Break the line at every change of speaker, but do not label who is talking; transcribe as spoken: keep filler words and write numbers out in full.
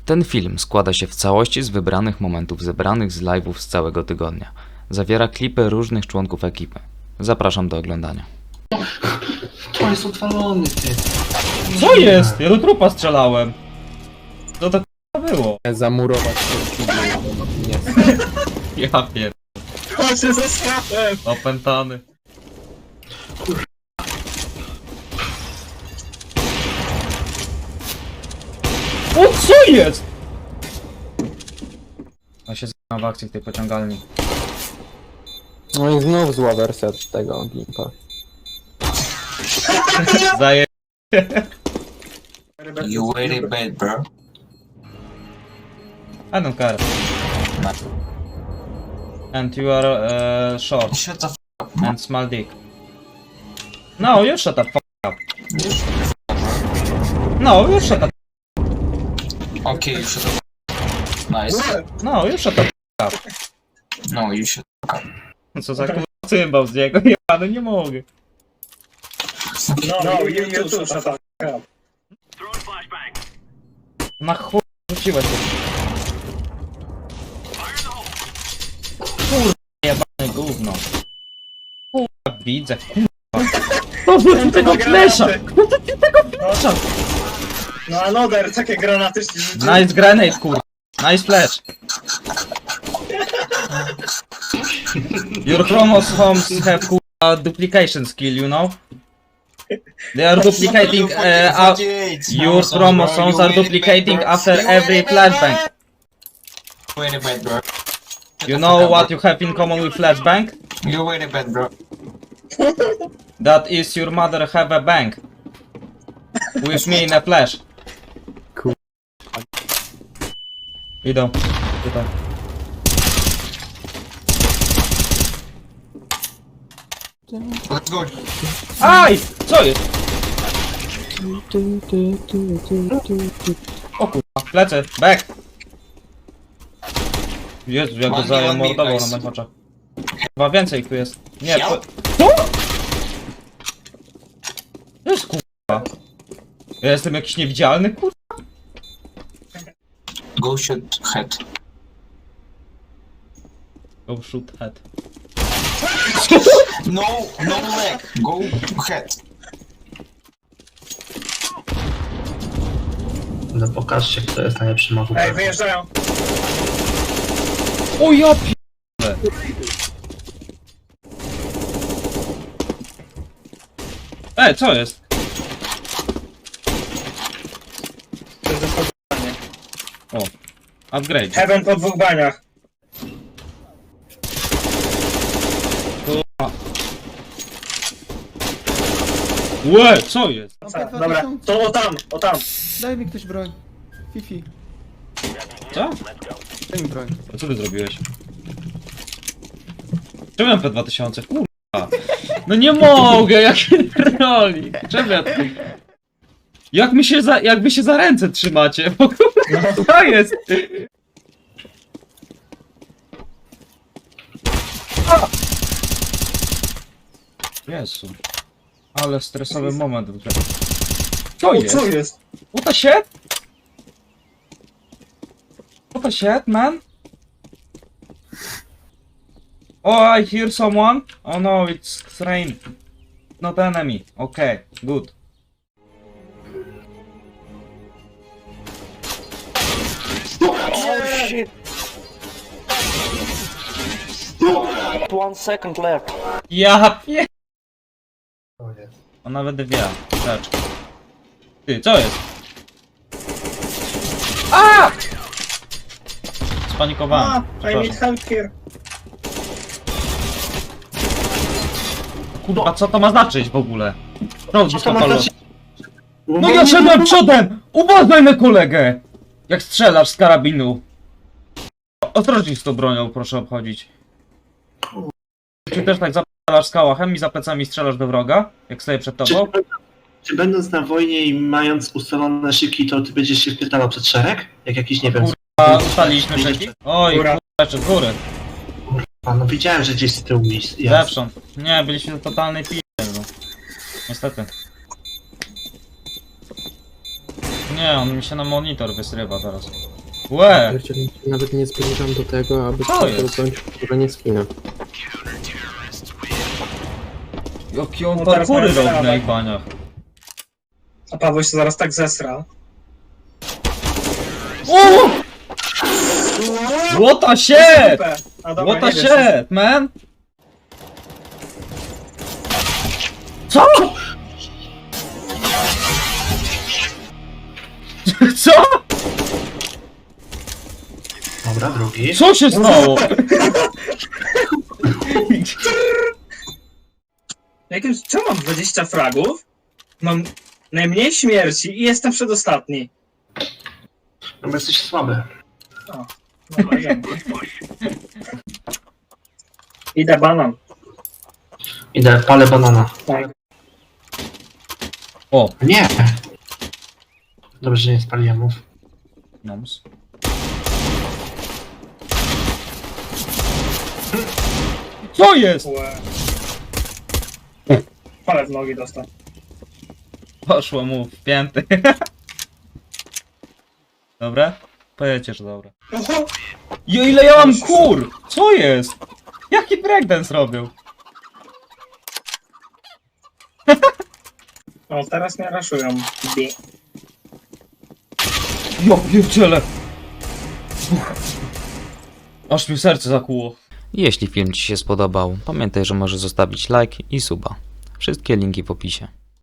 Ten film składa się w całości z wybranych momentów zebranych z live'ów z całego tygodnia. Zawiera klipy różnych członków ekipy. Zapraszam do oglądania.
To jest odwalony, ty.
Co jest? Ja do trupa strzelałem. Co to k***a było?
Zamurować się nie.
Ja pier...
Chodźcie ze sklepem!
Opętany. O, co jest? A się z***am w akcji w tej pociągalni.
No i znów zła wersja tego Gimpa.
Zaje...
You very bad, bro.
I don't care. And you are uh, short
Shut the f up, man.
and small dick. No, you shut the fuck up. No, you shut the
Okay, you shut the f up. Nice.
No, you shut the fuck up.
No, you should f up.
Co za kurwa cymbał z niego? Ja no nie mogę.
No, no, you, you too, shut up.
Na chuj rzuciłeś to. Kurwa jebane gówno. Kurwa widzę, kurwa. No wrócił tego flesza! No to ty tego flesza!
No another, takie granaty się rzuciły.
Nice grenade, kurwa. Nice flash. Your chromosomes have kurwa duplication skill, you know? They are duplicating uh, out. Your chromosomes are duplicating after every flashbang.
Very bad, bro.
You know what you have in common with flashbang?
You very bad, bro.
That is your mother have a bang. With me in a flash.
Cool.
Idą. Tutaj.
Let's go.
Aj! Co jest? O kurwa, lecę, back! Jezu, jak go
One me, one me,
zamordował na
nice.
moich oczach. Chyba więcej ich tu jest. Nie, to...
Help.
Co? To jest kurwa. Ja jestem jakiś niewidzialny, kurwa?
Go shoot head.
Go shoot head.
No, no leg. Go head.
No pokażcie, kto jest najlepszym
Ej,
ochotnikiem.
wyjeżdżają.
O ja p***le. Ej, co jest?
To jest zastosowanie.
O, upgrade.
Heaven po dwóch baniach.
Łe, co jest?
Dobra, to o tam, o tam.
Daj mi ktoś broń. Fifi,
Co?
daj mi broń.
A co ty zrobiłeś? Czemu ja P dwa tysiące? Kurwa. No nie mogę, jaki roli. Czemu ja tu... Jak mi się za... jak wy się za ręce trzymacie? Bo kurwa, co jest? A! Jezu. Ale stresowy moment w grze. Co
O,
jest?
co jest?
What the shit? What the shit, man? Oh, I hear someone. Oh no, it's train. Not enemy. Okay, good.
Oh shit! One second left.
Ja pie... On nawet wie. Rzecz. Ty, co jest? A! Spanikowałem.
A, I need
Przepraszam.
help here.
Kurwa, co to ma znaczyć w ogóle? No,
Co to ma znaczyć?
No ja szedłem przodem! Uważaj na kolegę! Jak strzelasz z karabinu. Ostrożnie z tą bronią, proszę obchodzić. Czy też tak zapalasz z kałachem i za plecami strzelasz do wroga? Jak stoję przed
Czy,
tobą?
czy będąc na wojnie i mając ustalone szyki, to ty będziesz się wpierdalał przed szereg? Jak jakiś, nie wiem...
A ustaliliśmy szyki? Oj,
Góra.
kurwa, jeszcze z góry.
A no widziałem, że gdzieś z tyłu jest.
Zewsząd. Nie, byliśmy w totalnej p***e, no. Niestety. nie, on mi się na monitor wysrywa teraz. Łe!
Pierdzielę, nawet nie zbliżam do tego, aby
Co jest?
przesunąć używanie skina.
Jaki on
No teraz
parkury
mamy
robi
strawę.
na ich baniach.
A Paweł się zaraz tak zesra.
O! What the shit!
A dobra,
What the
nie wiem,
shit, man? Co? Co?
Dobra, drugi.
Co się stało?
Jakimś, co mam dwadzieścia fragów? Mam najmniej śmierci i jestem przedostatni.
No bo jesteś słaby.
Dobra, dzięki. Idę banan.
Idę, palę banana.
Tak.
O,
Nie! Dobrze, że nie spaliłem mów.
noms. Co jest?
Łe. Ale w nogi dostał.
Poszło mu w pięty. Dobra? Powiecie, że dobra.
Oho!
Jo, ile ja mam kur! Co jest? Jaki breakdance robił?
O, teraz mnie raszują. Bi.
Jo, pierdziele! Uch. Aż mi serce zakłuło.
Jeśli film Ci się spodobał, pamiętaj, że możesz zostawić like i suba. Wszystkie linki w opisie.